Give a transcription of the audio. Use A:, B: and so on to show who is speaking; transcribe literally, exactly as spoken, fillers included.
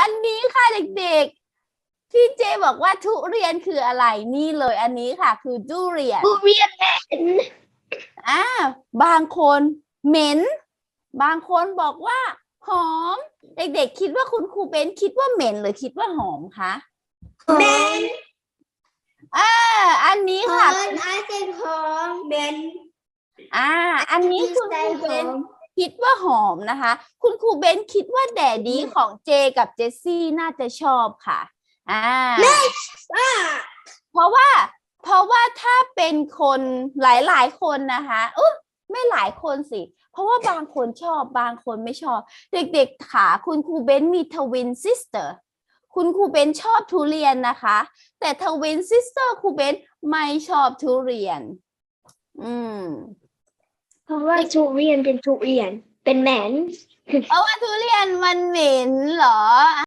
A: อันนี้ค่ะเด็กๆที่เจบอกว่าทุเรียนคืออะไรนี่เลยอันนี้ค่ะคือทุเรียน
B: ทุเรียนเหม็น
A: อ่าบางคนเหม็นบางคนบอกว่าหอมเด็กๆคิดว่าคุณครูเบนคิดว่าเหม็นหรือคิดว่าหอมคะ
B: เหม็น
A: อ่าอันนี้
B: หอ
A: ค่ะ
B: มไอเซนหอมเหม็น
A: อ่าอันนี้คุณครูเบนคิดว่าหอมนะคะคุณครูเบนคิดว่าแดดดี้ของเจกับเจสซี่น่าจะชอบค่ะอ่า
B: อ่า
A: เพราะว่าเพราะว่าถ้าเป็นคนหลายๆคนนะคะเออไม่หลายคนสิเพราะว่าบางคนชอบบางคนไม่ชอบเด็กๆค่ะคุณครูเบนมีทวินซิสเตอร์คุณครูเบนชอบทุเรียนนะคะแต่ทวินซิสเตอร์ครูเบนไม่ชอบทุเรียนอืม
B: เพราะว่าทุเรียนเป็นทุเรียนเป็นเหม็น
A: เพราะว่าทุเรียนมันเหม็นเหรอ